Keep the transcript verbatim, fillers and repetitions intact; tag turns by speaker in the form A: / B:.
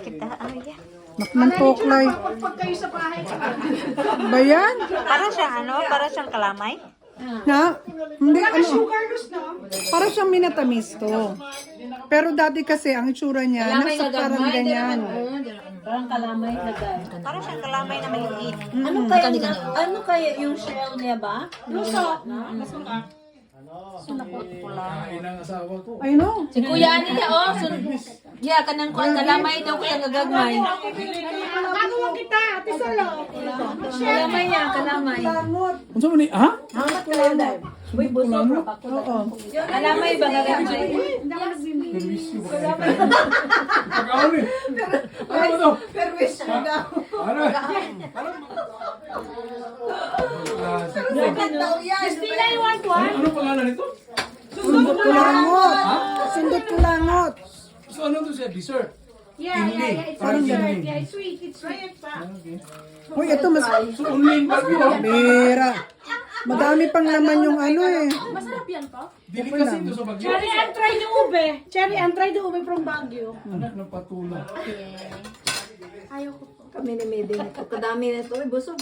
A: kita. Ay,
B: Makmantoklay.
C: Pag kayo sa bahay.
B: Ba yan?
A: para siyang ano? Para siyang kalamay?
B: Ha? Hindi, ano?
C: Carlos na.
B: Para siyang minatamis to. Pero dati kasi, ang itsura niya, nasa parang ganyan.
D: Parang kalamay na guys.
A: Para siyang kalamay na maliit.
D: Ano kaya ano kaya yung shell niya ba?
C: Luso.
E: Kain ang asawa ko.
B: I know.
D: Si Kuya Ani niya oh, sun yeah, kanang kuan kalamay daw kuya gagagmay.
C: Bago mo kita, ate Solo.
D: Kalamay niya, kalamay.
E: Unsa man ni? Ha?
D: Hangat kayo dai. Uy, buso pa ko. Kalamay ba gagagmay?
E: Pagkaon ni. Ano ba to?
C: Permis mo daw.
E: Ano?
C: Christina, you want one?
E: Ano pangalan nito?
B: Sundot kulangot. Sundot kulangot.
E: So ano to siya? Dessert?
C: Yeah, yeah, yeah. It's
E: Parang
C: dessert.
E: giniling.
C: Yeah, it's sweet. It's sweet pa.
B: Uy, ito mas
E: So only in Baguio.
B: bira. Madami pang laman yung ano eh.
C: Masarap yan po.
E: Dili kasi ito sa Baguio.
C: Cherry and try the ube. Cherry and try the ube from Baguio.
E: Anak ng patula.
C: Ayaw ko po.
D: Kami ni Meding. Kadami nito, busog.